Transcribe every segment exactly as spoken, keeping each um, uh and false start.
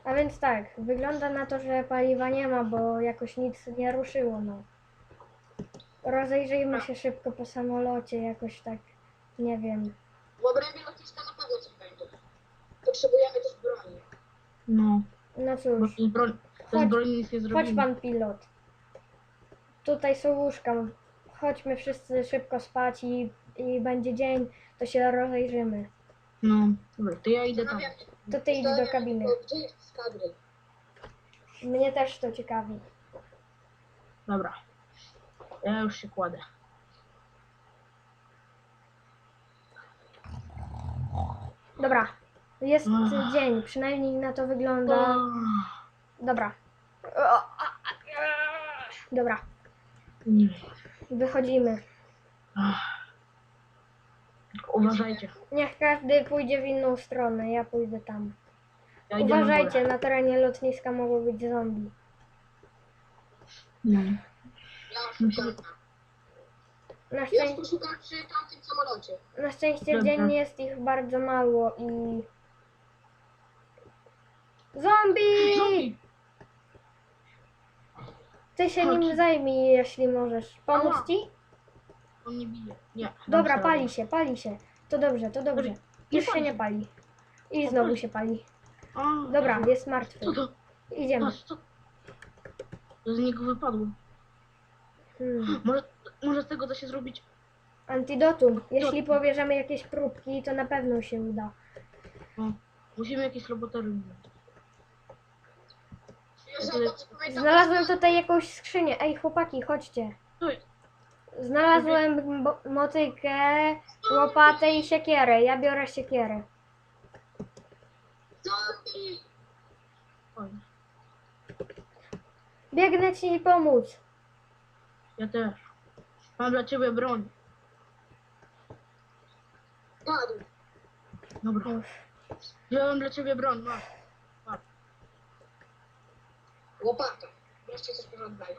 A więc tak, wygląda na to, że paliwa nie ma, bo jakoś nic nie ruszyło, no. Rozejrzyjmy się szybko po samolocie, jakoś tak, nie wiem. W obrębie lotniska na pewno coś będzie. Potrzebujemy też broni. No, No bo cóż, z broń, Chodź, z broni nic nie chodź zrobimy. pan pilot. Tutaj są łóżka. Chodźmy wszyscy szybko spać i, i będzie dzień, to się rozejrzymy. No, dobra, to ja idę tam. Zastanawiam się, To ty idź do zastanawiam kabiny. się, gdzie jest skadry? Mnie też to ciekawi. Dobra. Ja już się kładę. Dobra, jest Ach. dzień, przynajmniej na to wygląda. Dobra. Dobra, Nie. wychodzimy. Ach. Tylko uważajcie. Niech każdy pójdzie w inną stronę, ja pójdę tam. Ja idę na Uważajcie, górę. na terenie lotniska mogą być zombie. No. Ja szukam. Na, Ja szczęście, poszukam przy tamtym samolocie. na szczęście Dobra. dziennie jest ich bardzo mało i... Zombie! Zombie! Ty się Chodź. nim zajmij, jeśli możesz. Pomóc Ała. ci? On nie bije. Nie. Dobra, dam pali sobie się, pali się. To dobrze, to dobrze. Dobra, nie Już się pali nie się. pali. I O, znowu pali. się pali. radę. A, Dobra, jest martwy. Co to? Idziemy. Patrz, co? To z niego wypadło. Hmm. Może, może z tego da się zrobić. Antidotum. Jeśli pobierzemy jakieś próbki, to na pewno się uda. No, musimy jakieś laboratorium wziąć. Jeżeli dobrze pamiętam, Znalazłem tutaj jakąś skrzynię. Ej, chłopaki, chodźcie. To jest. Znalazłem mo- motykę, łopatę i siekierę. Ja biorę siekierę. zombie! Oj, Biegnę ci pomóc. ja też. Mam dla ciebie broń. Padł. Dobra. Uff. Wziąłem dla ciebie broń, masz. Masz. Łopata. Wreszcie coś porządnego.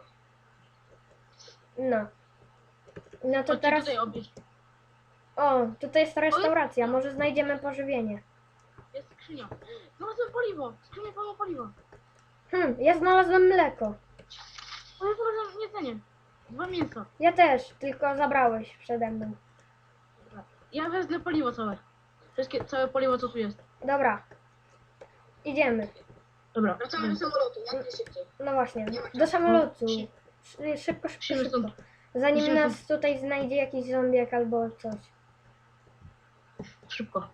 No. No to Chodźcie teraz... tutaj obierz. O, tutaj jest restauracja. Może znajdziemy pożywienie. Jest skrzynia. Znalazłem paliwo. Skrzynia pełna paliwa. Hm, ja znalazłem mleko. O, ja znalazłem jedzenie. Dwa mięsa. Ja też, tylko zabrałeś przede mną. Dobra. Ja wezmę paliwo całe. Wszystkie, całe paliwo co tu jest. Dobra. Idziemy. Dobra. Wracamy do samolotu, jak najszybciej. No właśnie, Nie ma do czasu. samolotu. Szy- Szy- Szybko, szybko, Musimy szybko. stąd. Zanim musimy nas tutaj znajdzie jakiś zombiak albo coś. Szybko.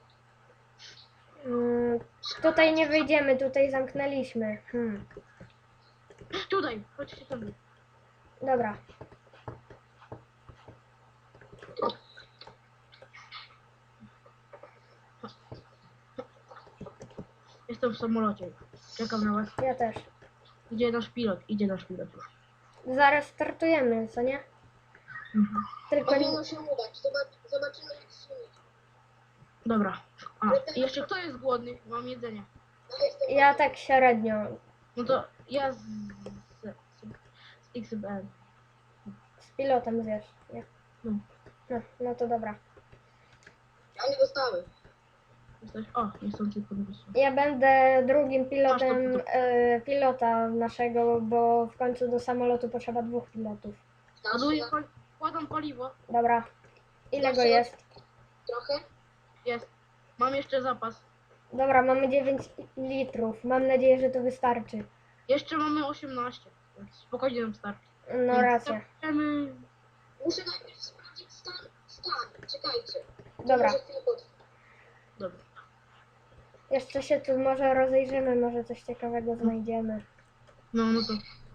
Mm, tutaj nie wyjdziemy, tutaj zamknęliśmy. Hmm. Tutaj. Chodźcie tam. Dobra. Jestem w samolocie. Czekam na was. Ja też. Idzie nasz pilot. Idzie nasz pilot już. Zaraz startujemy, co nie? Mhm. Tylko nie... Powinno się udać. Zobacz, zobaczymy jak się uda. Dobra. A, i jeszcze kto jest głodny? Mam jedzenie. Ja jestem Ja tak średnio. No to ja z, z, z, z X B N. Z pilotem zjesz. Nie? No. No, no to dobra. Ja nie dostałem. Jesteś? O, niechcący podniosłem. Ja będę drugim Masz pilotem to- e, pilota naszego, bo w końcu do samolotu potrzeba dwóch pilotów. Ładuję, pal kładam paliwo. Dobra. Ile go Znaczy- jest? Trochę? Jest. Mam jeszcze zapas. Dobra, mamy dziewięć litrów. Mam nadzieję, że to wystarczy. Jeszcze mamy osiemnaście. Więc spokojnie nam starczy. No Więc racja. starczymy- Muszę najpierw sprawdzić stan. Stan. Czekajcie. To Dobra. może chwilę potrwa. Dobra. Jeszcze się tu może rozejrzymy, może coś ciekawego znajdziemy. No, no to.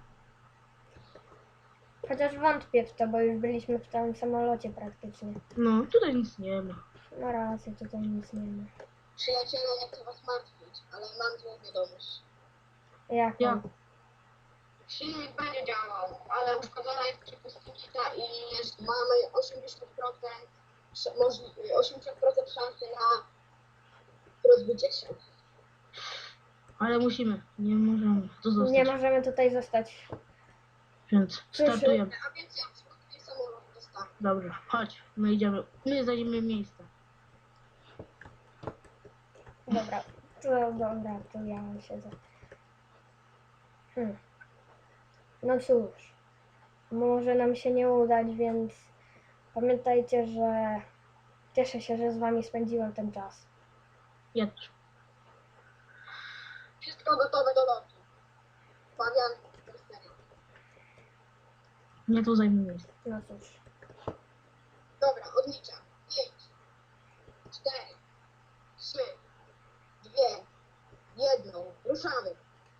Chociaż wątpię w to, bo już byliśmy w całym samolocie praktycznie. No, tutaj nic nie ma. No racja, tutaj nic nie ma. Przyjaciele, nie chcę was martwić, ale mam złą wiadomość. Jak? Ja. Silnik będzie działał, ale uszkodzona jest przepustnica i jest, mamy osiemdziesiąt procent, sz- możli- osiemdziesiąt procent szansy na rozbicie się. Ale musimy. Nie możemy. To zostać. Nie możemy tutaj zostać. Więc startujemy. A więc ja przygotuję samolot do startu. Dobrze, chodź. My idziemy. My zajmiemy miejsce. Dobra. To dobra, to ja siedzę. Hmm. No cóż, może nam się nie udać, więc pamiętajcie, że cieszę się, że z wami spędziłem ten czas. Ja też. Wszystko gotowe do lotu. Fabian, serio. Nie tu zajmie miejsce. No cóż. Dobra, odliczam. Pięć, cztery, trzy, dwie, jedną. Ruszamy.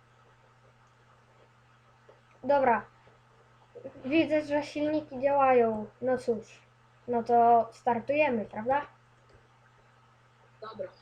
Dobra. Widzę, że silniki działają. No cóż. No to startujemy, prawda? Dobra.